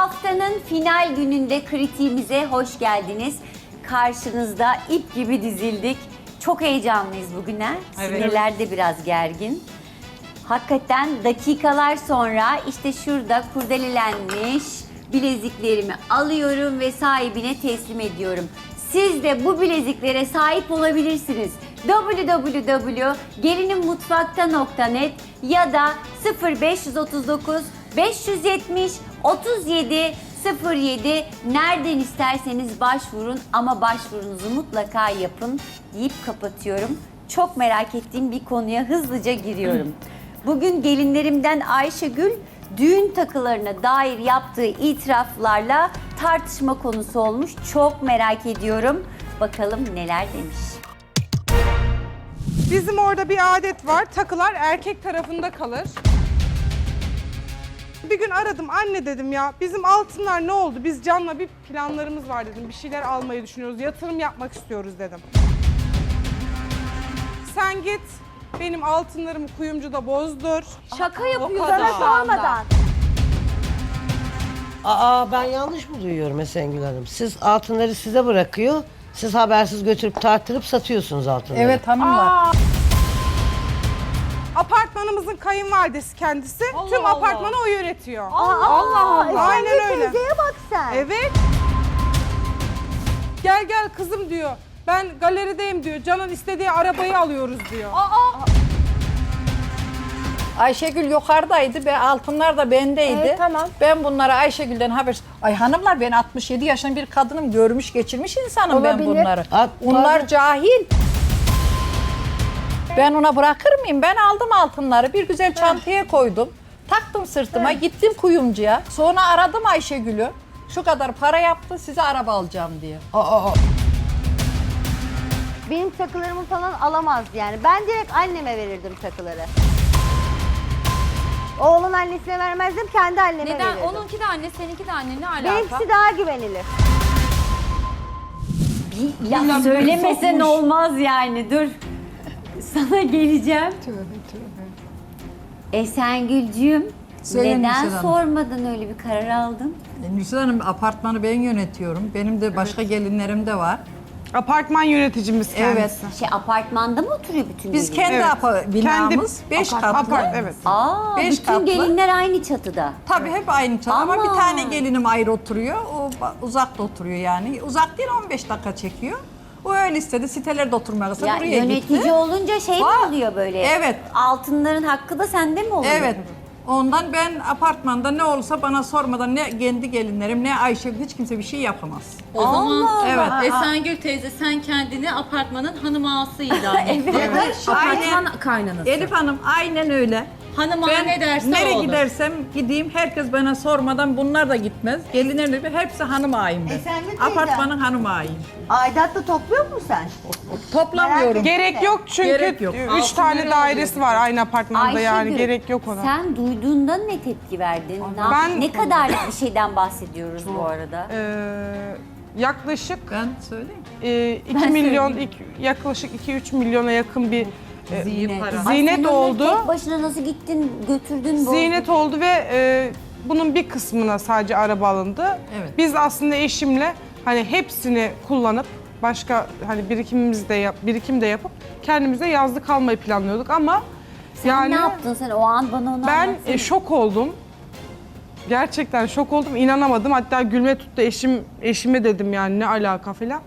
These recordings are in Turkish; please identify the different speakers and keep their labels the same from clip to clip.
Speaker 1: Haftanın final gününde kritiğimize hoş geldiniz. Karşınızda ip gibi dizildik. Çok heyecanlıyız bugüne.
Speaker 2: Evet.
Speaker 1: Sinirler de biraz gergin. Hakikaten dakikalar sonra işte şurada kurdelelenmiş bileziklerimi alıyorum ve sahibine teslim ediyorum. Siz de bu bileziklere sahip olabilirsiniz. www.gelinimutfakta.net ya da 0539 570 37 07 nereden isterseniz başvurun ama başvurunuzu mutlaka yapın deyip kapatıyorum. Çok merak ettiğim bir konuya hızlıca giriyorum. Bugün gelinlerimden Ayşegül düğün takılarına dair yaptığı itiraflarla tartışma konusu olmuş. Çok merak ediyorum. Bakalım neler demiş.
Speaker 2: Bizim orada bir adet var. Takılar erkek tarafında kalır. Bir gün aradım. Anne dedim ya bizim altınlar ne oldu? Biz Can'la bir planlarımız var dedim. Bir şeyler almayı düşünüyoruz. Yatırım yapmak istiyoruz dedim. Sen git benim altınlarımı kuyumcuda bozdur.
Speaker 3: Şaka yapıyor
Speaker 2: kadar.
Speaker 3: sana sormadan.
Speaker 4: Aa ben yanlış mı duyuyorum Esengül Hanım? Siz altınları size bırakıyor. Siz habersiz götürüp tarttırıp satıyorsunuz altınları.
Speaker 5: Evet hanımlar.
Speaker 2: Apartmanımızın kayınvalidesi kendisi. Tüm apartmanı o yönetiyor.
Speaker 3: Allah.
Speaker 2: Aynen öyle.
Speaker 3: Teyzeye bak sen.
Speaker 2: Evet. Gel gel kızım diyor. Ben galerideyim diyor. Can'ın istediği arabayı alıyoruz diyor.
Speaker 5: Ayşegül yukarıdaydı ve altınlar da bendeydi.
Speaker 3: Evet, tamam.
Speaker 5: Ben bunları Ayşegül'den haber... Ay hanımlar ben 67 yaşında bir kadınım. Görmüş geçirmiş insanım ben
Speaker 3: Olabilir.
Speaker 5: bunları.
Speaker 4: At-
Speaker 5: Onlar cahil. Ben ona bırakır mıyım? Ben aldım altınları. Bir güzel çantaya koydum. Taktım sırtıma. Gittim kuyumcuya. Sonra aradım Ayşegül'ü. Şu kadar para yaptı size araba alacağım diye.
Speaker 3: Benim takılarımı falan alamaz yani. Ben direkt anneme verirdim takıları. Oğlun annesine vermezdim, kendi anneme
Speaker 6: Neden?
Speaker 3: verirdim.
Speaker 6: Onunki de anne, seninki de anne. Ne alaka?
Speaker 3: Benimkisi daha güvenilir.
Speaker 1: Bir laf söylemesen olmaz yani. Dur. Sana geleceğim. Esengülcüğüm,
Speaker 5: Söyle
Speaker 1: neden
Speaker 5: Nurşen Hanım.
Speaker 1: sormadan öyle bir karar aldın?
Speaker 5: Nurşen Hanım apartmanı ben yönetiyorum. Benim de başka gelinlerim de var.
Speaker 2: Apartman yöneticimiz kendisi.
Speaker 5: Evet.
Speaker 1: Apartmanda mı oturuyor bütün
Speaker 5: Biz
Speaker 1: gelinler?
Speaker 5: kendi binamız 5 katlı.
Speaker 2: Evet.
Speaker 1: Aa,
Speaker 5: Beş
Speaker 1: bütün
Speaker 5: katlı.
Speaker 1: gelinler aynı çatıda.
Speaker 5: Tabii hep aynı çatı ama
Speaker 1: Ama.
Speaker 5: bir tane gelinim ayrı oturuyor. O uzakta oturuyor yani. Uzak değil 15 dakika çekiyor. O öyle istedi. Sitelerde oturmaya kalsa
Speaker 1: Ya
Speaker 5: buraya
Speaker 1: yönetici
Speaker 5: gitti.
Speaker 1: olunca şey mi
Speaker 5: Var.
Speaker 1: oluyor böyle?
Speaker 5: Evet.
Speaker 1: Altınların hakkı da sende mi oluyor?
Speaker 5: Evet. Ondan ben apartmanda ne olursa bana sormadan ne kendi gelinlerim ne Ayşe hiç kimse bir şey yapamaz.
Speaker 6: O zaman
Speaker 5: Evet.
Speaker 6: Esengül teyze sen kendini apartmanın hanım ağası ilan ettin.
Speaker 5: Aynen.
Speaker 6: Apartman kaynanası.
Speaker 5: Elif Hanım aynen öyle.
Speaker 6: Hanım ağa
Speaker 5: Ben
Speaker 6: ne derse
Speaker 5: nereye
Speaker 6: olur.
Speaker 5: gidersem gideyim herkes bana sormadan bunlar da gitmez. Gelinlerim de hepsi hanım ağayım ben.
Speaker 3: Esengül teyze.
Speaker 5: Apartmanın hanım ağayım.
Speaker 3: Aidatla topluyor musun sen?
Speaker 5: Toplamıyorum.
Speaker 2: Gerek yok çünkü
Speaker 5: Gerek yok.
Speaker 2: 3 tane dairesi var aynı apartmanda yani
Speaker 1: Ayşegül,
Speaker 2: gerek yok ona.
Speaker 1: Sen duyduğunda ne tepki verdin? Ne kadarlık bir şeyden bahsediyoruz bu arada?
Speaker 2: Yaklaşık
Speaker 5: Ben söyleyeyim.
Speaker 2: 2 milyon, yaklaşık 2-3 milyona yakın bir
Speaker 5: Zinet.
Speaker 1: Ay, sen
Speaker 2: zinet
Speaker 1: onları
Speaker 2: oldu.
Speaker 1: Tek başına nasıl gittin, götürdün?
Speaker 2: Zinet oldu ve bunun bir kısmına sadece araba alındı.
Speaker 5: Evet.
Speaker 2: Biz aslında eşimle hani hepsini kullanıp başka hani birikim de yapıp kendimize yazlık almayı planlıyorduk ama
Speaker 1: Sen ne yaptın sen o an bana onu
Speaker 2: ben
Speaker 1: anlatsana.
Speaker 2: şok oldum. Gerçekten şok oldum, inanamadım. Hatta gülme tuttu eşime dedim yani ne alaka falan.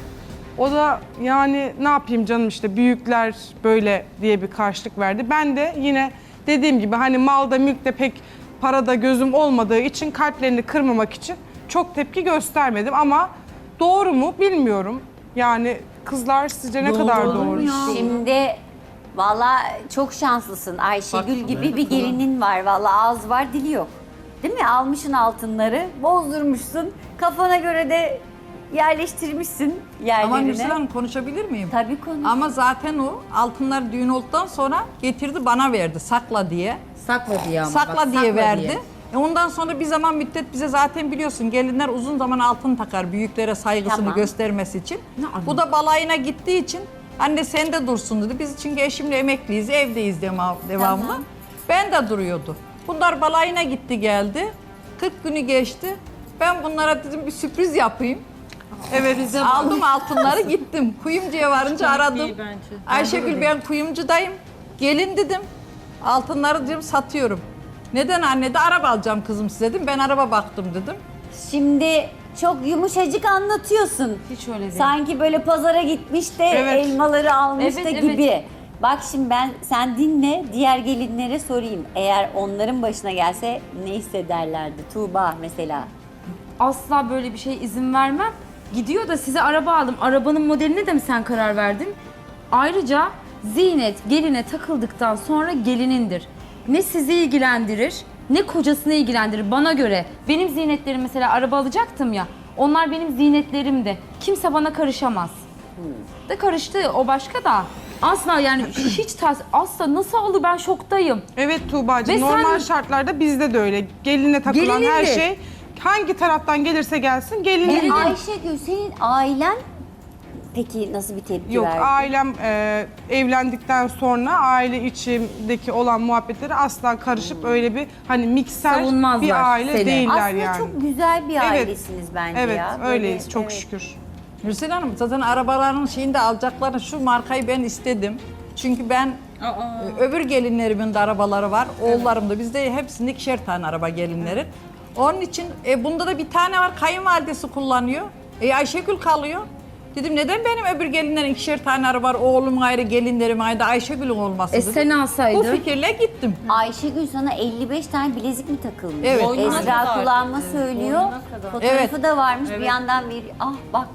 Speaker 2: O da yani ne yapayım canım işte büyükler böyle diye bir karşılık verdi. Ben de yine dediğim gibi hani malda mülkte pek parada gözüm olmadığı için kalplerini kırmamak için çok tepki göstermedim ama doğru mu bilmiyorum. Yani kızlar sizce ne kadar doğru?
Speaker 1: Şimdi valla çok şanslısın. Ayşegül gibi bir gelinin var. Valla ağız var dili yok. Değil mi? Almışsın altınları, bozdurmuşsun. Kafana göre de yerleştirmişsin yerlerine.
Speaker 5: Ama Nursel Hanım konuşabilir miyim?
Speaker 1: Tabii konuş.
Speaker 5: Ama zaten o altınlar düğün olduktan sonra getirdi bana verdi sakla diye.
Speaker 6: Sakla diye ama.
Speaker 5: Sakla
Speaker 6: bak,
Speaker 5: diye
Speaker 6: sakla
Speaker 5: verdi.
Speaker 6: diye.
Speaker 5: Ondan sonra bir zaman müddet bize zaten biliyorsun gelinler uzun zaman altın takar büyüklere saygısını
Speaker 1: Tamam.
Speaker 5: göstermesi için.
Speaker 6: anladım.
Speaker 5: Bu da balayına gittiği için anne sen de dursun dedi. Biz çünkü eşimle emekliyiz evdeyiz devamlı.
Speaker 1: Tamam.
Speaker 5: Ben de duruyordu. Bunlar balayına gitti geldi. 40 günü geçti. Ben bunlara dedim bir sürpriz yapayım.
Speaker 2: Evet.
Speaker 5: Aldım altınları gittim. Kuyumcuya varınca aradım.
Speaker 6: değil bence.
Speaker 5: Ayşegül ben kuyumcudayım. Gelin dedim. Altınları dedim satıyorum. Neden anne de araba alacağım kızım size dedim. Ben araba baktım dedim.
Speaker 1: Şimdi çok yumuşacık anlatıyorsun.
Speaker 7: Hiç öyle değil.
Speaker 1: Sanki böyle pazara gitmiş de
Speaker 2: Evet.
Speaker 1: elmaları almış
Speaker 7: Evet,
Speaker 1: da
Speaker 7: evet.
Speaker 1: gibi. Bak şimdi sen dinle, diğer gelinlere sorayım. Eğer onların başına gelse ne hissederlerdi? Tuğba mesela.
Speaker 7: Asla böyle bir şey izin vermem. Gidiyor da size araba aldım. Arabanın modeline de mi sen karar verdin? Ayrıca ziynet geline takıldıktan sonra gelinindir. Ne sizi ilgilendirir, ne kocasını ilgilendirir bana göre. Benim ziynetlerim mesela araba alacaktım ya. Onlar benim ziynetlerimdi. Kimse bana karışamaz. Da karıştı o başka da. Asla yani hiç asla nasıl alır ben şoktayım.
Speaker 2: Evet Tuğba'cığım,
Speaker 7: Ve
Speaker 2: normal
Speaker 7: sen-
Speaker 2: şartlarda bizde de öyle. Geline takılan her
Speaker 7: Gelinindir.
Speaker 2: şey hangi taraftan gelirse gelsin gelinin.
Speaker 1: Ayşegül senin ailen peki nasıl bir tepki
Speaker 2: Yok,
Speaker 1: verdi?
Speaker 2: ailem evlendikten sonra aile içindeki olan muhabbetleri asla karışıp öyle bir hani mikser
Speaker 7: Savunmazlar
Speaker 2: bir aile
Speaker 7: seni.
Speaker 2: değiller
Speaker 1: Aslında
Speaker 2: yani.
Speaker 1: çok güzel bir
Speaker 2: Evet.
Speaker 1: ailesiniz bence
Speaker 2: Evet,
Speaker 1: ya. Böyle,
Speaker 2: öyleyiz çok
Speaker 1: evet.
Speaker 2: şükür.
Speaker 5: Hüseyin Hanım zaten arabaların şeyini de alacakları şu markayı ben istedim. Çünkü ben öbür gelinlerimin de arabaları var. Oğullarım da bizde hepsinde ikişer tane araba gelinlerin. Onun için bunda da bir tane var kayınvalidesi kullanıyor. Ayşegül kalıyor. Dedim neden benim öbür gelinlerin ikişer tane araba var, oğlum ayrı, gelinlerim ayrı, Ayşegül'ün olması dedim.
Speaker 7: Sen
Speaker 5: Bu
Speaker 7: alsaydın.
Speaker 5: fikirle gittim.
Speaker 1: Ayşegül sana 55 tane bilezik mi takılmış?
Speaker 5: Evet.
Speaker 6: Boynuna
Speaker 1: Ezra
Speaker 6: kadar.
Speaker 1: kullanma söylüyor.
Speaker 6: Boynuna kadar.
Speaker 1: Fotoğrafı
Speaker 5: Evet.
Speaker 1: da varmış bir yandan bir bak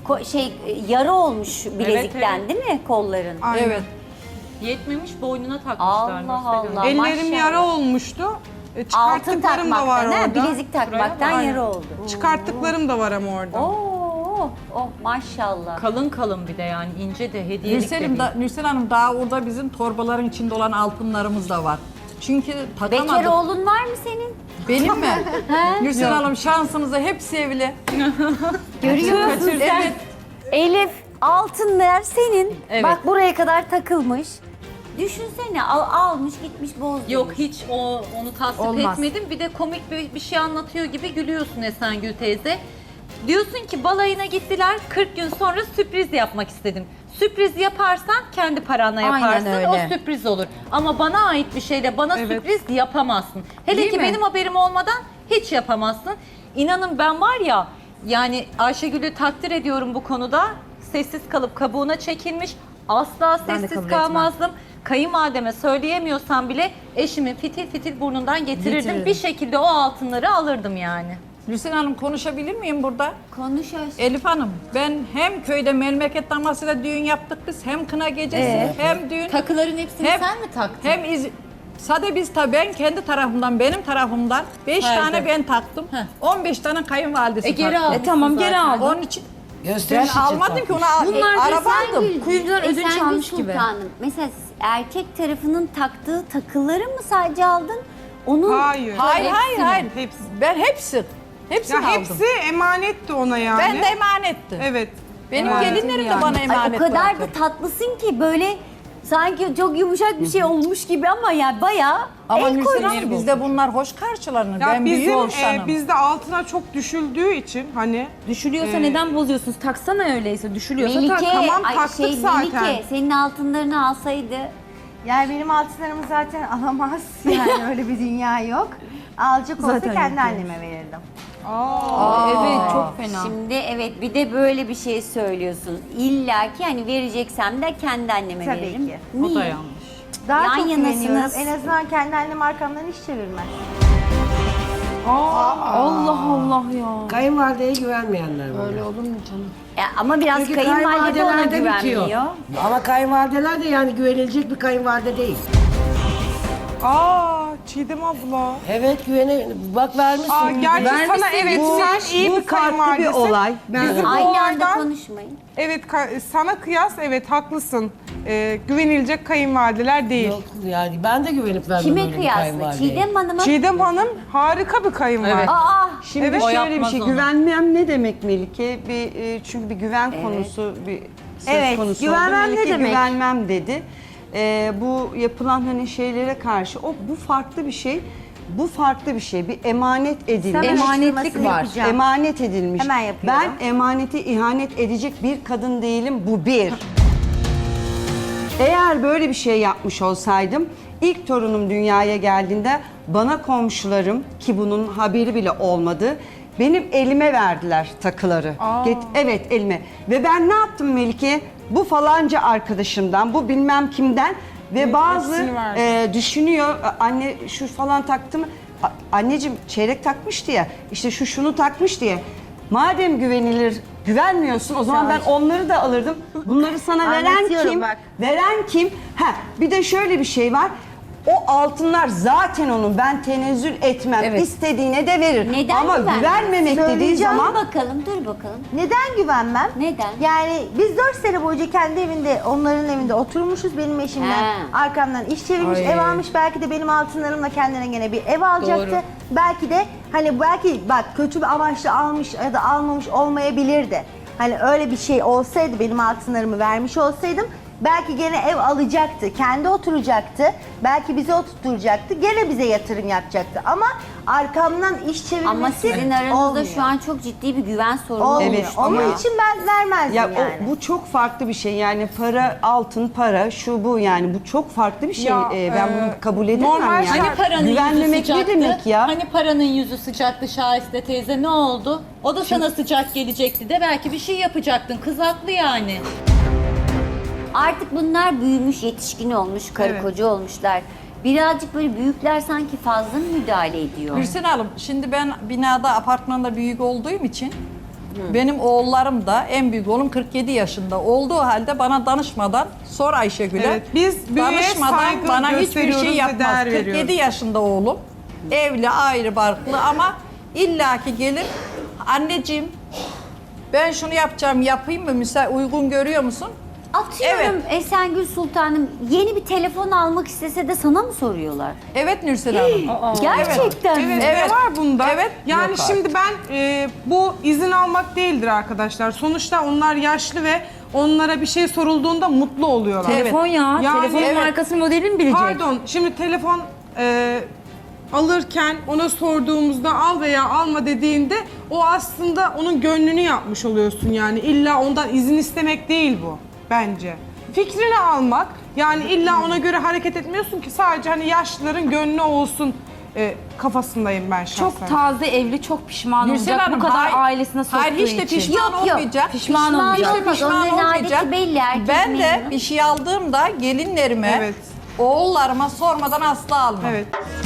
Speaker 1: yara olmuş bilezikten
Speaker 6: evet.
Speaker 1: değil mi kolların?
Speaker 2: Aynen.
Speaker 5: Evet.
Speaker 6: Yetmemiş boynuna takmışlar.
Speaker 1: Allah
Speaker 6: Nursel Hanım.
Speaker 1: Allah.
Speaker 2: Ellerim
Speaker 1: maşallah.
Speaker 2: yara olmuştu.
Speaker 1: Altın
Speaker 2: Çıkarttıklarım da var
Speaker 1: takmaktan,
Speaker 2: orada.
Speaker 1: bilezik takmaktan
Speaker 2: Aynen.
Speaker 1: yara oldu.
Speaker 2: Çıkarttıklarım da var ama orada.
Speaker 1: Maşallah.
Speaker 6: Kalın kalın bir de yani ince de hediyelik de değil.
Speaker 5: Nursel Hanım daha orada bizim torbaların içinde olan altınlarımız da var. Çünkü
Speaker 1: Bekar
Speaker 5: takamadım.
Speaker 1: oğlun var mı senin?
Speaker 5: Benim mi? Nursel Hanım şansımıza hepsi evli.
Speaker 1: Görüyor musun sen?
Speaker 5: Evet.
Speaker 1: Elif altınlar senin.
Speaker 6: Evet.
Speaker 1: Bak buraya kadar takılmış. Düşünsene almış gitmiş bozdurmuş.
Speaker 6: Yok hiç onu tasvip
Speaker 5: Olmaz.
Speaker 6: etmedim. Bir de komik bir şey anlatıyor gibi gülüyorsun Esengül teyze. Diyorsun ki balayına gittiler 40 gün sonra sürpriz yapmak istedim. Sürpriz yaparsan kendi paranla
Speaker 7: Aynen
Speaker 6: yaparsın
Speaker 7: öyle.
Speaker 6: o sürpriz olur. Ama bana ait bir şeyle bana
Speaker 2: Evet.
Speaker 6: sürpriz yapamazsın. Hele
Speaker 7: Değil
Speaker 6: ki
Speaker 7: mi?
Speaker 6: benim haberim olmadan hiç yapamazsın. İnanın ben var ya yani Ayşegül'ü takdir ediyorum bu konuda. Sessiz kalıp kabuğuna çekilmiş. Asla
Speaker 7: Ben de
Speaker 6: sessiz
Speaker 7: kabul
Speaker 6: kalmazdım. Kayınvalideme söyleyemiyorsam bile eşimin fitil fitil burnundan getirirdim. Bir şekilde o altınları alırdım yani.
Speaker 5: Nursel Hanım konuşabilir miyim burada?
Speaker 1: Konuş aşkım.
Speaker 5: Elif Hanım ben hem köyde memleket damasıyla düğün yaptık biz hem kına gecesi hem düğün
Speaker 6: Takıların hepsini
Speaker 5: Hem-
Speaker 6: sen mi taktın?
Speaker 5: hem Sade biz tabii ben kendi tarafımdan benim tarafımdan 5
Speaker 6: Perde.
Speaker 5: tane ben taktım. 15 tane kayınvalidesi
Speaker 6: geri
Speaker 5: taktı.
Speaker 6: almışsın
Speaker 7: Tamam geri
Speaker 6: zaten.
Speaker 7: aldım.
Speaker 5: Onun için
Speaker 4: Gösteriş
Speaker 5: ben
Speaker 4: için
Speaker 5: almadım ki
Speaker 4: takmış.
Speaker 5: ona
Speaker 7: Bunlar da
Speaker 5: araba
Speaker 7: sen
Speaker 5: aldım.
Speaker 7: kuyumcudan ödünç
Speaker 1: Esengül
Speaker 7: almış gibi.
Speaker 1: Sultanım, mesela erkek tarafının taktığı takıları mı sadece aldın? Onun
Speaker 2: Hayır.
Speaker 5: Hayır hayır.
Speaker 2: Hepsi.
Speaker 5: Ben hepsini
Speaker 2: Ya
Speaker 5: aldım.
Speaker 2: hepsi emanetti ona yani.
Speaker 5: Ben de emanetti.
Speaker 2: Evet.
Speaker 5: Benim
Speaker 2: Emanetim
Speaker 5: gelinlerim de
Speaker 2: yani.
Speaker 5: bana
Speaker 1: Ay,
Speaker 5: emanet
Speaker 1: o kadar
Speaker 5: bıraktı.
Speaker 1: da tatlısın ki böyle sanki çok yumuşak bir şey olmuş gibi ama ya bayağı
Speaker 5: Ama
Speaker 1: el
Speaker 5: Nursel
Speaker 1: koymuş.
Speaker 5: Hanım bizde bunlar hoş karşılanır.
Speaker 2: Ya
Speaker 5: Ben büyük
Speaker 2: bizim
Speaker 5: olsanım.
Speaker 2: bizde altına çok düşüldüğü için hani
Speaker 7: Düşülüyorsa neden bozuyorsunuz? Taksana öyleyse. Düşülüyorsa tak.
Speaker 1: Melike,
Speaker 2: tamam, taktık zaten.
Speaker 1: Melike senin altınlarını alsaydı
Speaker 3: Yani benim altınlarımı zaten alamaz. Yani öyle bir dünya yok. Alacak olsa
Speaker 7: Zaten
Speaker 3: kendi
Speaker 7: yok
Speaker 3: anneme verirdim.
Speaker 7: Evet çok fena.
Speaker 1: şimdi evet bir de böyle bir şey söylüyorsun. İlla ki hani vereceksem de kendi anneme
Speaker 3: Tabii
Speaker 1: veririm.
Speaker 3: ki.
Speaker 1: Niye?
Speaker 6: O da yanlış.
Speaker 3: Daha
Speaker 1: Yan
Speaker 3: çok
Speaker 1: yanasınız.
Speaker 3: güveniyorum. En azından kendi annem arkamdan hiç çevirmez.
Speaker 7: Allah Allah ya.
Speaker 4: Kayınvalideye güvenmeyenler var. Öyle olur.
Speaker 1: Ya ama biraz
Speaker 4: Çünkü
Speaker 1: kayınvalide ona
Speaker 4: kayınvalidelerde
Speaker 1: güvenmiyor.
Speaker 4: bitiyor. Ama kayınvalideler de yani güvenilecek bir kayınvalide değil.
Speaker 2: Çiğdem abla.
Speaker 4: Evet bak vermişsin.
Speaker 2: Gerçi sana evet sen iyi bir kayınvalidesin.
Speaker 8: olay.
Speaker 2: Bizim bu
Speaker 1: Aynı anda
Speaker 2: olaydan
Speaker 1: konuşmayın.
Speaker 2: evet sana kıyas evet haklısın. Güvenilecek kayınvalideler değil.
Speaker 4: Yok yani ben de güvenip vermem
Speaker 1: Kime
Speaker 4: öyle bir
Speaker 1: kıyasla?
Speaker 4: kayınvalideye.
Speaker 1: Çiğdem Hanım'a?
Speaker 2: Çiğdem Hanım harika bir kayınvalide.
Speaker 1: Aa,
Speaker 8: Şimdi
Speaker 2: Evet.
Speaker 6: O
Speaker 8: şöyle bir
Speaker 6: yapmaz
Speaker 8: şey,
Speaker 6: onu.
Speaker 8: güvenmem ne demek Melike? Çünkü bir güven konusu bir söz
Speaker 3: Evet,
Speaker 8: konusu
Speaker 3: güvenmem
Speaker 8: oldu.
Speaker 3: ne
Speaker 8: Melike
Speaker 3: demek?
Speaker 8: güvenmem dedi. Bu yapılan hani şeylere karşı bu farklı bir şey. bu farklı bir şey. Bir emanet edilmiş.
Speaker 3: Hemen
Speaker 7: Emanetlik
Speaker 3: araştırmasını
Speaker 7: var.
Speaker 3: yapacağım.
Speaker 8: Emanet edilmiş.
Speaker 3: Hemen yapıyorum.
Speaker 8: Ben emanete ihanet edecek bir kadın değilim. Bu bir. Eğer böyle bir şey yapmış olsaydım, ilk torunum dünyaya geldiğinde bana komşularım, ki bunun haberi bile olmadı, benim elime verdiler takıları. Evet, elime. Ve ben ne yaptım Melike? Bu falanca arkadaşımdan, bu bilmem kimden ve bazı
Speaker 2: hepsini verdi.
Speaker 8: düşünüyor, anne şu falan taktı mı? Anneciğim çeyrek takmıştı ya, işte şu şunu takmış diye. Madem güvenmiyorsun o zaman ben onları da alırdım. Bunları sana veren
Speaker 3: Anlatıyorum
Speaker 8: kim?
Speaker 3: bak.
Speaker 8: Veren kim? Bir de şöyle bir şey var. O altınlar zaten onun, ben tenezzül etmem.
Speaker 7: Evet.
Speaker 8: İstediğine de verir.
Speaker 1: Neden
Speaker 8: Ama
Speaker 1: güvenmez?
Speaker 8: güvenmemek dediği
Speaker 3: Söyleyeceğim.
Speaker 8: zaman
Speaker 1: Dur bakalım.
Speaker 3: Neden güvenmem?
Speaker 1: Neden?
Speaker 3: Yani biz 4 sene boyunca kendi evinde, onların evinde oturmuşuz. Benim eşimden
Speaker 1: He.
Speaker 3: arkamdan iş çevirmiş,
Speaker 5: Ay.
Speaker 3: ev almış. Belki de benim altınlarımla kendine gene bir ev alacaktı. Belki de hani belki bak kötü bir amaçla almış ya da almamış olmayabilirdi. Hani öyle bir şey olsaydı, benim altınlarımı vermiş olsaydım belki gene ev alacaktı, kendi oturacaktı, belki bize oturtacaktı, gene bize yatırım yapacaktı. Ama arkamdan iş çevirmesi
Speaker 1: Ama sizin aranızda
Speaker 3: olmuyor.
Speaker 1: şu an çok ciddi bir güven sorunu
Speaker 3: Olmuyor.
Speaker 1: oluştu.
Speaker 3: Onun
Speaker 1: ya.
Speaker 3: için ben vermezdim
Speaker 8: ya
Speaker 3: yani.
Speaker 8: bu çok farklı bir şey. Yani para, altın, para, şu bu, yani bu çok farklı bir şey.
Speaker 2: Ya,
Speaker 8: Ben bunu kabul edemem
Speaker 2: normal
Speaker 8: yani.
Speaker 2: şart-
Speaker 6: Hani paranın yüzü
Speaker 8: Güvenmemek ne
Speaker 6: sıcaktı?
Speaker 8: demek ya?
Speaker 6: Hani paranın yüzü sıcaktı Şahiste teyze, ne oldu? O da sana sıcak gelecekti de belki bir şey yapacaktın. Kız haklı yani.
Speaker 1: Artık bunlar büyümüş, yetişkin olmuş, karı
Speaker 2: Evet.
Speaker 1: koca olmuşlar. Birazcık böyle büyükler sanki fazla mı müdahale ediyor?
Speaker 5: Gülsen Hanım, şimdi ben binada, apartmanda büyük olduğum için benim oğullarım da, en büyük oğlum 47 yaşında olduğu halde bana danışmadan, sor Ayşegül'e,
Speaker 2: Evet, biz büyüğe
Speaker 5: danışmadan
Speaker 2: saygı
Speaker 5: bana hiçbir
Speaker 2: gösteriyoruz
Speaker 5: şey
Speaker 2: ve
Speaker 5: yapmaz.
Speaker 2: değer
Speaker 5: 47
Speaker 2: veriyoruz.
Speaker 5: yaşında oğlum, evli, ayrı barklı ama illaki gelir, anneciğim ben şunu yapacağım, yapayım mı, uygun görüyor musun?
Speaker 1: Atıyorum Esengül Sultanım yeni bir telefon almak istese de sana mı soruyorlar?
Speaker 5: Evet Nursel Hanım.
Speaker 1: Gerçekten mi?
Speaker 2: Evet,
Speaker 5: Evet.
Speaker 2: ne var bunda?
Speaker 5: Evet.
Speaker 2: Yani
Speaker 5: Yok
Speaker 2: şimdi ben bu izin almak değildir arkadaşlar. Sonuçta onlar yaşlı ve onlara bir şey sorulduğunda mutlu oluyorlar.
Speaker 7: Telefon ya.
Speaker 2: Yani
Speaker 7: Telefonun
Speaker 2: evet.
Speaker 7: markasını modelini mi bilecek?
Speaker 2: Pardon, şimdi telefon alırken ona sorduğumuzda al veya alma dediğinde o aslında onun gönlünü yapmış oluyorsun yani. İlla ondan izin istemek değil bu bence. Fikrini almak, yani illa ona göre hareket etmiyorsun ki, sadece hani yaşlıların gönlü olsun kafasındayım ben şahsen.
Speaker 7: Çok taze evli, çok pişman
Speaker 5: Nursel
Speaker 7: olacak
Speaker 5: Hanım,
Speaker 7: bu kadar
Speaker 5: hayır-
Speaker 7: ailesine soktuğu
Speaker 5: Hayır, hiç de
Speaker 7: için.
Speaker 5: pişman
Speaker 1: Yok, yok.
Speaker 5: olmayacak.
Speaker 7: Pişman olmayacak.
Speaker 5: Hiç de pişman
Speaker 1: Onların
Speaker 5: olmayacak.
Speaker 1: adeti belli, herkes
Speaker 5: Ben de
Speaker 1: memnun.
Speaker 5: bir şey aldığımda gelinlerime,
Speaker 2: Evet.
Speaker 5: oğullarıma sormadan asla almam.
Speaker 2: Evet.